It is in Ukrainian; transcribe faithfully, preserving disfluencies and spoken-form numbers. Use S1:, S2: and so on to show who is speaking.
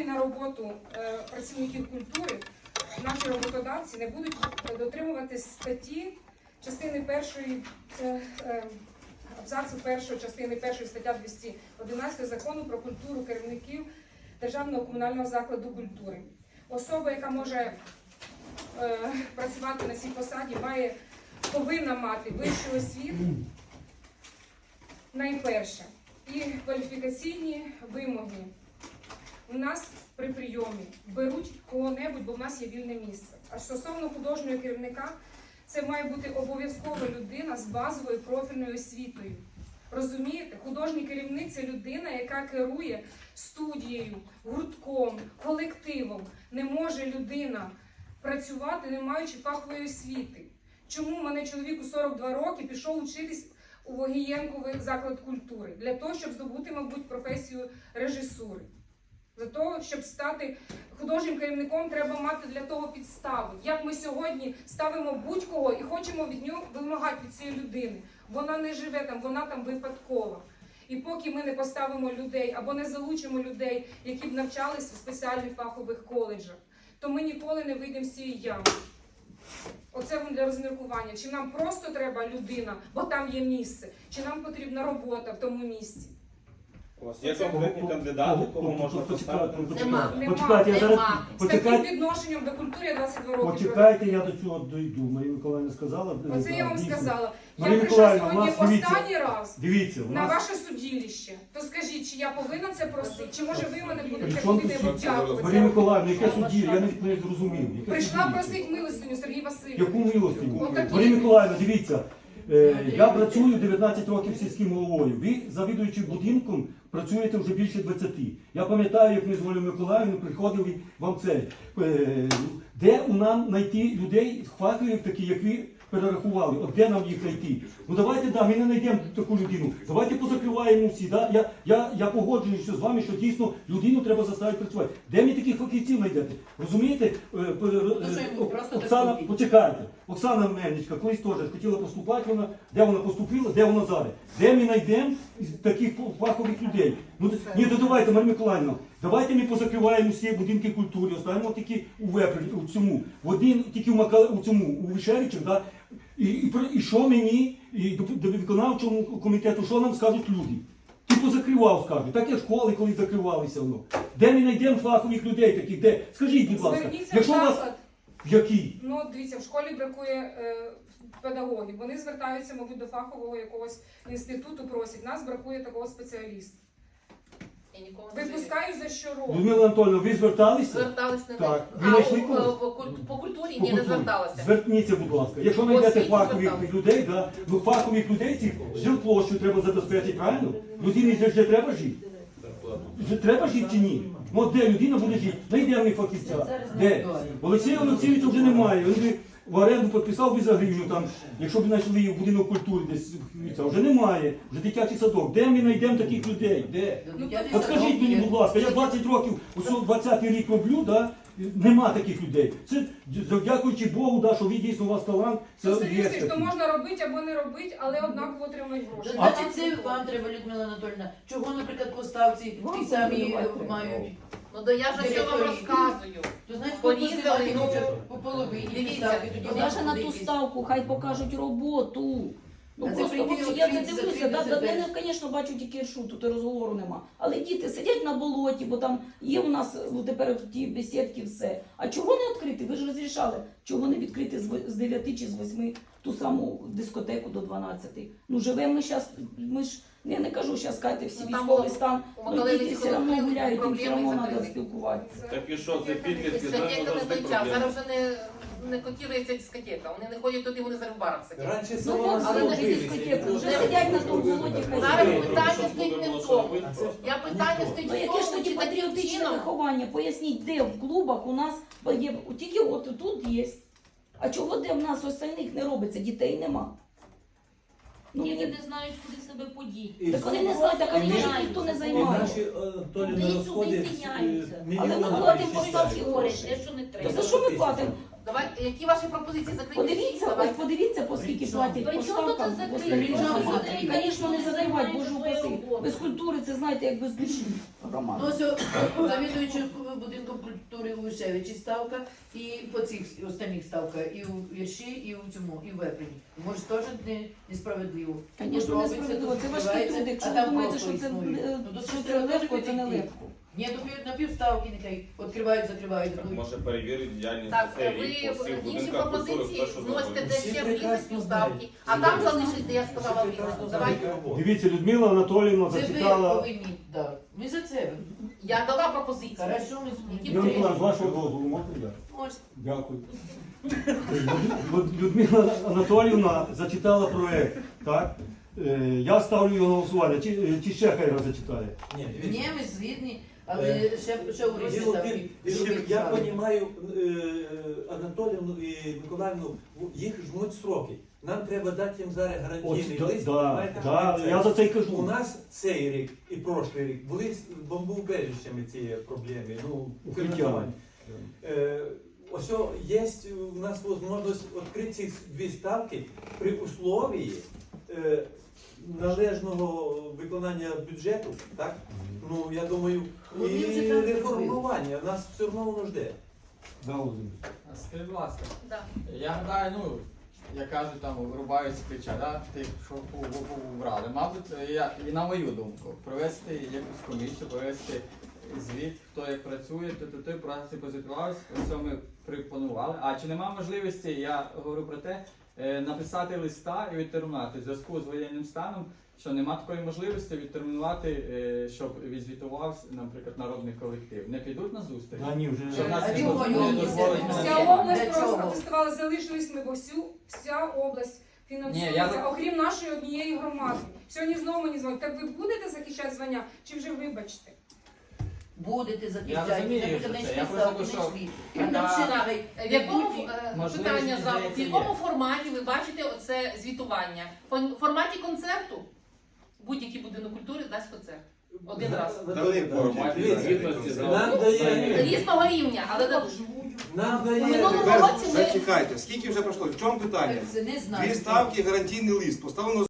S1: готові на роботу е, працівників культури, наші роботодавці не будуть дотримуватись статті частини першої, е, е, абзацу першої частини першої стаття двісті одинадцять закону про культуру керівників державного комунального закладу культури. Особа, яка може е, працювати на цій посаді, має, повинна мати вищу освіту, найперше, і кваліфікаційні вимоги. У нас при прийомі беруть кого-небудь, бо в нас є вільне місце. А стосовно художнього керівника, це має бути обов'язкова людина з базовою профільною освітою. Розумієте? Художній керівник – це людина, яка керує студією, гуртком, колективом. Не може людина працювати, не маючи фахової освіти. Чому в мене чоловік у сорок два роки пішов учитись у Вогієнковий заклад культури? Для того, щоб здобути, мабуть, професію режисури. Для того, щоб стати художнім керівником, треба мати для того підстави. Як ми сьогодні ставимо будь-кого і хочемо від нього вимагати від цієї людини. Вона не живе там, вона там випадкова. І поки ми не поставимо людей або не залучимо людей, які б навчалися в спеціальних фахових коледжах, то ми ніколи не вийдемо з цієї ями. Оце вам для розміркування. Чи нам просто треба людина, бо там є місце, чи нам потрібна робота в тому місці.
S2: У вас є конкретні кандидати, кого можна поставити?
S3: Нема.
S4: Почекайте, я зараз...
S3: Нема.
S1: З таким
S4: Почекайте,
S1: відношенням до культури я двадцять два роки.
S4: почекайте, я до цього дойду. Марія Миколаївна сказала.
S1: Оце я вам
S4: дійсно.
S1: сказала.
S4: Марія
S1: Я прийшла
S4: Миколаївна, у
S1: сьогодні
S4: нас, дивіться,
S1: останній раз
S4: Дивіться, у
S1: на
S4: нас...
S1: ваше судилище. То скажіть, чи я повинна це просити, чи може ви мене будете
S4: Причому
S1: ходити
S4: тут
S1: дякувати?
S4: Марія Миколаївна, яке судді? Я навіть не зрозумів. Яке
S1: Прийшла
S4: судді?
S1: просити милостиню, Сергій Васильович.
S4: Яку милостиню?
S1: Отакі.
S4: Марія Миколаївна, дивіться, е, я працюю дев'ятнадцять років сільським головою. Ви, завідуючи будинком, працюєте вже більше двадцяти. Я пам'ятаю, як ми з Марією Миколаївною приходили вам це. Е, де у нам знайти людей, фахових таких, як ви перерахували? От де нам їх знайти? Ну давайте, да, ми не знайдемо таку людину. Давайте позакриваємо всі. Да? Я, я, я погоджуюся з вами, що дійсно людину треба заставити працювати. Де ми таких фахівців знайдете? Розумієте? Е, е, е, Оксана, почекайте. Оксана Мельничка колись теж хотіла поступати, вона, де вона поступила, де вона зараз? Де ми знайдемо таких фахових людей? Ну, ні, то давайте, Марія Миколаївна, давайте ми позакриваємо всі будинки культури, оставимо тільки у Вепрі, у цьому, в один, тільки у, Мака, у цьому, у Вишевичах, да? і, і, і що мені, і до, до виконавчому комітету, що нам скажуть люди? Ти позакривав, скажуть, так як школи колись закривалися воно. Де ми знайдемо фахових людей таких, де? Скажіть, будь ласка,
S1: Зверніться
S4: якщо
S1: в
S4: у вас...
S1: заклад.
S4: В який?
S1: Ну, дивіться, в школі бракує е, педагогів. Вони звертаються, мабуть, до фахового якогось інституту, просять. Нас бракує такого спеціаліста.
S3: Я нікого не жалію.
S1: Випускаю за щороку.
S4: Людмила Анатольовна, ви зверталися?
S3: Звертались не
S4: Так.
S3: а
S4: Ви знайшли
S3: у-
S4: когось?
S3: по, куль- по культурі
S4: По
S3: ні, не
S4: культурі.
S3: зверталася.
S4: Зверніться, будь ласка. Якщо знайдете
S3: Освіті
S4: фахових
S3: зверталися.
S4: людей, да, ну фахових людей цих жилплощу треба забезпечити, правильно? Людині же вже треба жити. Вже треба жити чи ні? Ну от де людина буде жити? Знайдемо ми фахівця. Де? Олексія Олексійовича вже немає. Він би в оренду підписав би за гривню, там, якщо б знайшли в будинок культури десь, це вже немає. Вже дитячий садок. Де ми знайдемо таких людей? Де? От скажіть мені, будь ласка, я двадцять років, ось двадцятий рік роблю, да? Нема таких людей. Це дякуючи Богу, да, що ви дійсно у вас талант. Це
S1: Це
S4: є
S1: серйозно, то
S4: такий.
S1: можна робити або не робити, але однаково отримують гроші.
S5: Значить, це вам треба, Людмила Анатольовна. Чого, наприклад, поставці ті самі мають?
S3: Ну да я ж все вам розказую.
S5: То значить,
S3: Порізали,
S5: порізали,
S3: ну,
S5: по половині
S3: дивіться,
S5: ставки, тоді
S3: ну,
S5: вона
S6: Навіть на
S5: буде
S6: ту
S5: якісь.
S6: ставку, хай покажуть роботу. Ну
S5: А це
S6: просто
S5: прийти,
S6: от, я це
S5: відкрити,
S6: дивлюся,
S5: закрити
S6: да, да,
S5: себе.
S6: я, звісно, бачу тільки шут, тут і розговору нема. Але діти сидять на болоті, бо там є у нас ну, тепер ті бесідки, все. А чого не відкрити? Ви ж розрішали, чого не відкрити з в- з дев'яти чи з восьми ту саму дискотеку до дванадцяти? Ну живемо ми зараз, ми ж, я не кажу, зараз кайте всі
S3: Ну, там
S6: військовий
S3: у-
S6: стан,
S3: у
S6: ну
S3: Миколаєві
S6: діти
S3: ці
S6: все одно
S3: колективи,
S6: гуляють, їм все
S3: проблеми
S6: одно треба
S3: закриті.
S6: спілкуватися.
S2: Так і що, це підлітки, знаємо,
S3: Дискотека не
S2: завжди
S3: той час.
S2: проблеми.
S3: Зараз вже не, не котірується дискотека. Вони не ходять туди, вони зараз в барах сидять.
S7: Раніше
S6: Ну,
S7: село
S6: от
S3: але
S6: вони
S3: не
S6: ж
S7: жилися,
S6: дискотеку,
S7: і
S6: вже
S7: дуже
S6: сидять на
S7: дуже
S6: тому
S7: дуже
S6: болоті,
S7: дуже
S6: хай
S3: Зараз
S6: сидять.
S3: питання стоїть не в тому. Я питання стоїть
S6: Ну
S3: в
S6: яке ж
S3: тому,
S6: тоді
S3: чи таким
S6: патріотичне
S3: чином.
S6: виховання? Поясніть, де в клубах у нас є, тільки от тут є. А чого де в нас остальних не робиться? Дітей нема. Ну,
S8: Діти
S6: мені...
S8: не знають, куди себе подіти.
S7: І
S6: Так вони не знають, а
S7: І
S6: книжок
S7: наші-
S6: ніхто не
S7: І
S6: займає.
S7: наші е, Толі
S8: Туди
S7: на
S8: й
S7: розходи
S8: сюди тиняються.
S6: Але ми
S7: мільйонами
S6: платимо
S7: числяться.
S6: поставки
S8: Говорить,
S6: гроші.
S8: те, що не
S6: То
S8: треба.
S6: за що ми платимо?
S3: Давай, які ваші пропозиції закриті?
S6: Подивіться,
S3: Давай.
S6: от подивіться, по скільки платять
S7: При
S6: по
S7: чому тут
S6: ставкам.
S7: закрити?
S6: Господи,
S5: При чому
S6: ну,
S5: закрити?
S6: Звісно, не закривати, боже упаси.
S7: роботу.
S6: Без культури це, знаєте, як без душі
S5: Ну,
S6: громада.
S5: ось о, завідуючи будинком культури у Вишевичі ставка, і по цих останніх ставка, і у Вірші, і у цьому, і в Вепрені. Може, теж не, несправедливо.
S6: Звісно,
S5: Робиться,
S6: несправедливо.
S5: тут
S6: Це важкі
S5: співається,
S6: люди. Якщо
S5: а
S6: ви
S5: там
S6: думаєте,
S5: просто
S6: що це,
S5: існує.
S6: е,
S5: Ну, то
S6: що
S5: це
S6: це
S5: теж
S6: легко, це не
S5: відійти.
S6: легко.
S5: Ні, на пів- на півставки нехай відкривають, закривають.
S2: Так,
S5: Ну,
S2: може перевірити діяльність
S3: Так,
S2: цей
S3: ви
S2: рік по всіх
S3: інші
S2: будинках культури,
S3: пропозиції
S2: хто що
S3: вносите
S2: зробив.
S3: де
S8: Всі
S3: ще влізуть
S8: прекрасно
S3: ставки,
S8: знають.
S3: а там залишите, я сказала
S8: Всі
S3: Віра.
S8: прекрасно
S3: Давайте.
S8: знають роботу.
S4: Дивіться, Людмила Анатоліївна
S5: Це ви
S4: зачитала.
S5: повинні, да. Ми за це.
S3: Я дала пропозицію.
S5: Хорошо, ми
S3: Які
S4: Юрій
S3: ви-
S4: Миколаївич, з вашого дозволу можна я?
S5: Може.
S4: Дякую. Люд- Людмила Анатоліївна зачитала проект, так? Е, Я ставлю його на голосування. Чи, е, чи ще хай раз зачитає?
S8: Ні,
S5: Ні,
S8: дивіться.
S5: ми згідні, але ще, ще у Русі
S8: Діло в
S5: там.
S8: тім,
S5: і-
S8: що
S5: і-
S8: я
S5: і-
S8: розумію Анатоліївну і Миколаївну, їх жмуть строки. Нам треба дати їм зараз
S4: От,
S8: гарантійний
S4: да,
S8: лист.
S4: да,
S8: знаєте,
S4: да,
S8: що це.
S4: я за це й
S8: У
S4: кажу.
S8: нас цей рік і прошлий рік були з бомбоубежищами ці проблеми, ну,
S4: Укриття.
S8: фінансування. Е, Ось о, є у нас можливість відкрити ці дві ставки при условії е, належного виконання бюджету, так? Ну, я думаю,
S5: Ну, він же
S8: і
S5: там
S8: реформування нас все одно воно жде.
S4: Да, Володимир.
S9: Скажіть, будь ласка,
S3: Да.
S9: я гадаю, ну, як кажуть, там вирубають з плеча, да, тих, що вбрали. Мабуть, я, і на мою думку, провести якусь комісію, провести звіт, хто як працює, то то той праці позитувалися, все ми пропонували. А чи нема можливості, я говорю про те, е, написати листа і відтермінувати в зв'язку з воєнним станом, що нема такої можливості відтермінувати, е, щоб відзвітувався, наприклад, народний колектив. Не підуть на зустріч?
S4: Да, ні, вже
S9: Щоб нас
S5: А
S9: не
S5: чого
S9: дозволить-
S5: ні?
S9: не дозволить
S5: Ні,
S9: нас-
S1: Вся
S5: Ні,
S1: область
S5: для чого?
S1: протестувала, залишились ми, бо всю, вся область фінансується,
S9: Ні, я-
S1: окрім нашої однієї громади. Сьогодні знову мені дзвонять. Так ви будете захищати звання, чи вже вибачте?
S5: Будете
S9: Я
S5: захищати,
S9: розумію,
S5: наприклад,
S9: що це.
S5: знайшли
S9: Я просто
S5: ставки,
S9: кажу,
S5: знайшли.
S9: що-
S5: А там ще
S3: Так.
S5: нехай
S3: В якому
S5: йдуть і-
S3: е,
S9: Можливість,
S3: питання за в
S9: здається,
S3: якому
S9: є.
S3: форматі ви бачите оце звітування? В форматі концерту будь-який будинок культури дасть концерт один раз.
S2: Дали форматі
S8: Дивіться,
S2: звітності за-
S8: Нам дає,
S3: Різного рівня, але да-
S8: нам
S3: в
S8: дає.
S3: минулому
S10: Тепер
S3: році ми
S10: зачекайте, скільки вже пройшло? В чому питання?
S5: це не знаю.
S10: Дві ставки, гарантійний лист. Поставлено